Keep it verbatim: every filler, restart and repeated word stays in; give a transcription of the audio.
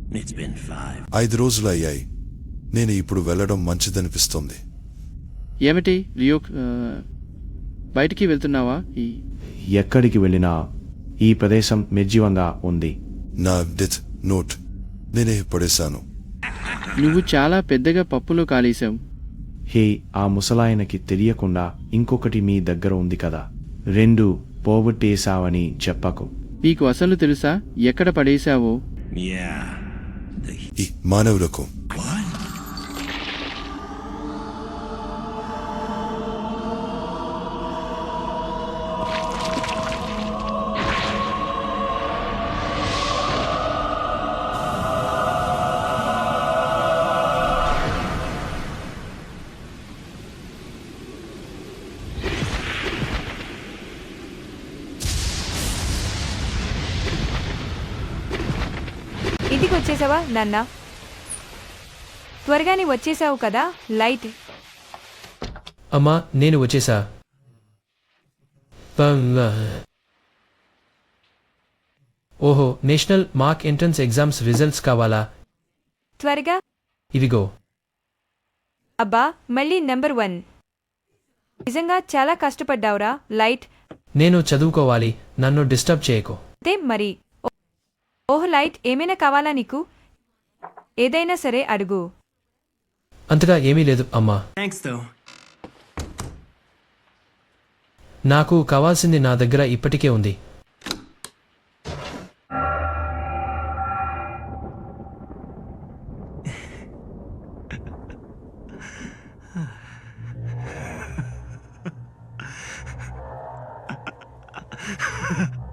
It's been five. ఐదు రోజులు అయ్యాయి. నేను ఇప్పుడు వెళ్ళడం మంచిదనిపిస్తోంది. ఏమిటి లియో, ఆ, బయటికి వెళ్తున్నావా? ఈ ఎక్కడికి వెళ్ళినా ఈ ప్రదేశం నిర్జీవంగా ఉంది. నా డెత్ నోట్ నేనే పడేశాను. నువ్వు చాలా పెద్దగా పప్పులో కాలేశావు. హే, ఆ ముసలాయనకి తెలియకుండా ఇంకొకటి మీ దగ్గర ఉంది కదా. రెండు పోగొట్టేశావని చెప్పకు. నీకు అసలు తెలుసా ఎక్కడ పడేశావో? Yeah. The ఈ మానవులకు what? ఇంటికి వచ్చేసావా నాన్న? త్వరగానే వచ్చేసావు కదా. లైట్ అమ్మా, నేను వచ్చేసా. ఓహో, national mark entrance exams results కావాలా? త్వరగా. ఇవిగో. అబ్బా, మళ్ళీ నెంబర్ వన్. నిజంగా చాలా కష్టపడ్డావురా లైట్. నేను చదువుకోవాలి, నన్ను డిస్టర్బ్ చేయకు. అదే మరి. ఓహ్ లైట్, ఏమైనా కావాలా నీకు? ఏదైనా సరే అడుగు. అంతగా ఏమీ లేదు అమ్మా. Thanks though. నాకు కావాల్సింది నా దగ్గర ఇప్పటికే ఉంది. Ha